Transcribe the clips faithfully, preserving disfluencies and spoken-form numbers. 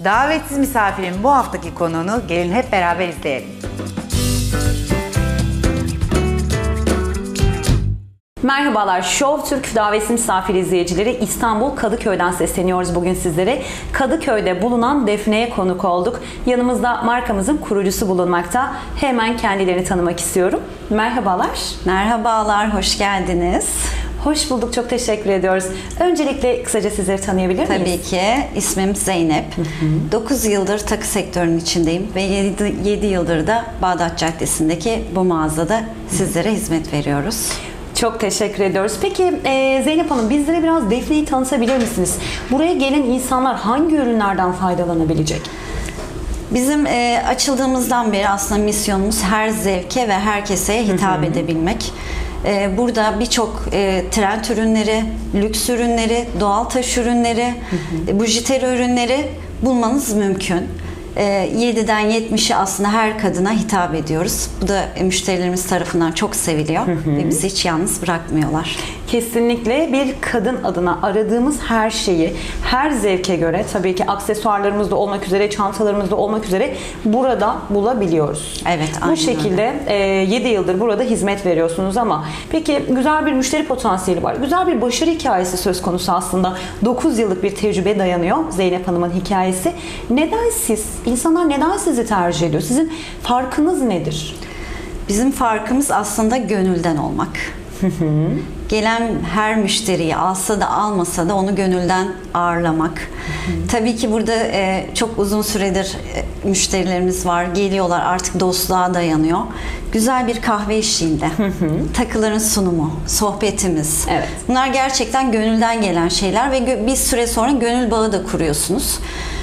Davetsiz misafirin bu haftaki konuğunu gelin hep beraber izleyelim. Merhabalar, Show Türk davetsiz misafir izleyicileri, İstanbul Kadıköy'den sesleniyoruz bugün sizlere. Kadıköy'de bulunan Defne'ye konuk olduk. Yanımızda markamızın kurucusu bulunmakta. Hemen kendilerini tanımak istiyorum. Merhabalar. Merhabalar, hoş geldiniz. Hoş bulduk, çok teşekkür ediyoruz. Öncelikle kısaca sizleri tanıyabilir miyiz? Tabii ki. İsmim Zeynep. dokuz yıldır takı sektörünün içindeyim ve yedi yıldır da Bağdat Caddesi'ndeki bu mağazada sizlere hizmet veriyoruz. Çok teşekkür ediyoruz. Peki e, Zeynep Hanım, bizlere biraz Defne'yi tanıtabilir misiniz? Buraya gelen insanlar hangi ürünlerden faydalanabilecek? Bizim e, açıldığımızdan beri aslında misyonumuz her zevke ve herkese hitap hı hı. edebilmek. E, burada birçok e, trend ürünleri, lüks ürünleri, doğal taş ürünleri, hı hı. bujiteri ürünleri bulmanız mümkün. yediden yetmişe aslında her kadına hitap ediyoruz. Bu da müşterilerimiz tarafından çok seviliyor hı hı. ve bizi hiç yalnız bırakmıyorlar. Kesinlikle bir kadın adına aradığımız her şeyi, her zevke göre, tabii ki aksesuarlarımızda olmak üzere, çantalarımızda olmak üzere burada bulabiliyoruz. Evet, aynen bu şekilde e, yedi yıldır burada hizmet veriyorsunuz ama peki güzel bir müşteri potansiyeli var. Güzel bir başarı hikayesi söz konusu aslında. dokuz yıllık bir tecrübe dayanıyor Zeynep Hanım'ın hikayesi. Neden siz, insanlar neden sizi tercih ediyor? Sizin farkınız nedir? Bizim farkımız aslında gönülden olmak. Gelen her müşteriyi alsa da almasa da onu gönülden ağırlamak. Hı hı. Tabii ki burada e, çok uzun süredir e, müşterilerimiz var. Geliyorlar, artık dostluğa dayanıyor. Güzel bir kahve eşliğinde. Hı hı. Takıların sunumu, sohbetimiz. Evet. Bunlar gerçekten gönülden gelen şeyler ve bir süre sonra gönül bağı da kuruyorsunuz.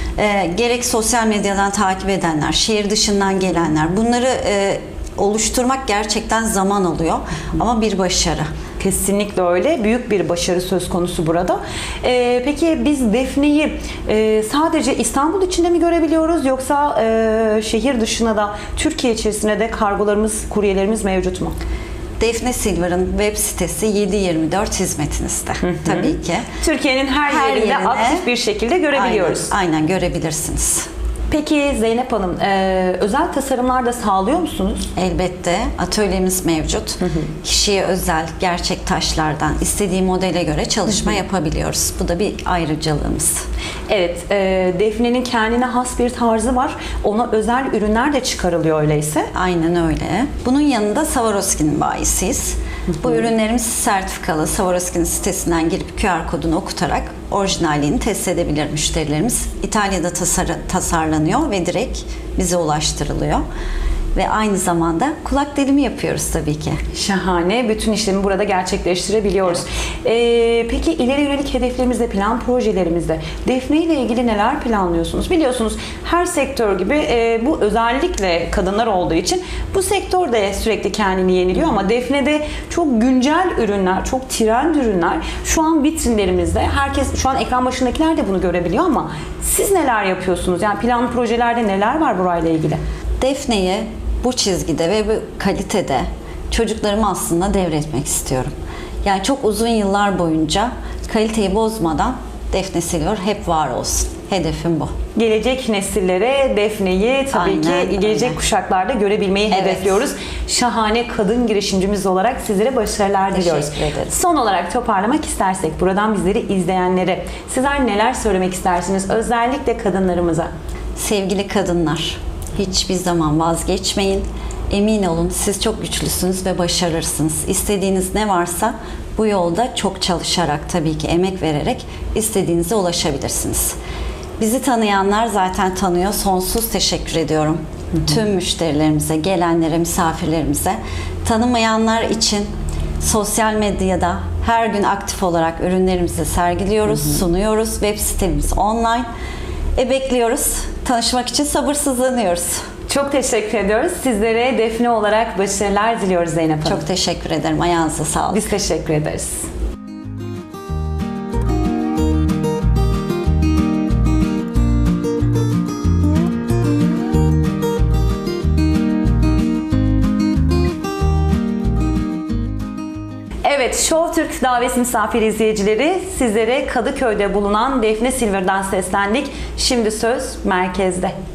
E, gerek sosyal medyadan takip edenler, şehir dışından gelenler, bunları e, oluşturmak gerçekten zaman alıyor ama bir başarı. Kesinlikle öyle. Büyük bir başarı söz konusu burada. Ee, peki biz Defne'yi e, sadece İstanbul içinde mi görebiliyoruz yoksa e, şehir dışına da, Türkiye içerisinde de kargolarımız, kuryelerimiz mevcut mu? Defne Silver'ın web sitesi yedi yirmi dört hizmetinizde. Hı hı. Tabii ki. Türkiye'nin her, her yerinde yerine, aktif bir şekilde görebiliyoruz. Aynen, aynen görebilirsiniz. Peki Zeynep Hanım, e, özel tasarımlar da sağlıyor musunuz? Elbette. Atölyemiz mevcut. Hı hı. Kişiye özel, gerçek taşlardan istediği modele göre çalışma hı hı. yapabiliyoruz. Bu da bir ayrıcalığımız. Evet, e, Defne'nin kendine has bir tarzı var. Ona özel ürünler de çıkarılıyor öyleyse. Aynen öyle. Bunun yanında Swarovski'nin bayisiyiz. Hı hı. Bu ürünlerimiz sertifikalı. Swarovski'nin sitesinden girip Q R kodunu okutarak orijinalliğini test edebilir müşterilerimiz. İtalya'da tasar tasarlanıyor ve direkt bize ulaştırılıyor. Ve aynı zamanda kulak delimi yapıyoruz tabii ki. Şahane. Bütün işlemi burada gerçekleştirebiliyoruz. Evet. Ee, peki ileri yönelik hedeflerimizde, plan projelerimizde Defne ile ilgili neler planlıyorsunuz? Biliyorsunuz her sektör gibi e, bu özellikle kadınlar olduğu için bu sektör de sürekli kendini yeniliyor ama Defne'de çok güncel ürünler, çok trend ürünler şu an vitrinlerimizde. Herkes, şu an ekran başındakiler de bunu görebiliyor ama siz neler yapıyorsunuz? Yani plan projelerde neler var burayla ilgili? Defne'yi bu çizgide ve bu kalitede çocuklarıma aslında devretmek istiyorum. Yani çok uzun yıllar boyunca kaliteyi bozmadan Defne Silver hep var olsun. Hedefim bu. Gelecek nesillere Defne'yi tabii aynen, ki gelecek aynen. kuşaklarda görebilmeyi evet. hedefliyoruz. Şahane kadın girişimcimiz olarak sizlere başarılar diliyoruz. Son olarak toparlamak istersek buradan bizleri izleyenlere sizler neler söylemek istersiniz? Özellikle kadınlarımıza. Sevgili kadınlar, hiçbir zaman vazgeçmeyin. Emin olun siz çok güçlüsünüz ve başarırsınız. İstediğiniz ne varsa bu yolda çok çalışarak, tabii ki emek vererek istediğinize ulaşabilirsiniz. Bizi tanıyanlar zaten tanıyor. Sonsuz teşekkür ediyorum. Hı hı. Tüm müşterilerimize, gelenlere, misafirlerimize. Tanımayanlar için sosyal medyada her gün aktif olarak ürünlerimizi sergiliyoruz, hı hı. sunuyoruz. Web sitemiz online. E bekliyoruz. Tanışmak için sabırsızlanıyoruz. Çok teşekkür ediyoruz. Sizlere Defne olarak başarılar diliyoruz Zeynep Hanım. Çok teşekkür ederim. Ayağınıza sağlık. Biz teşekkür ederiz. Evet Evet, Show Türk davet misafir izleyicileri, sizlere Kadıköy'de bulunan Defne Silver'dan seslendik. Şimdi söz merkezde.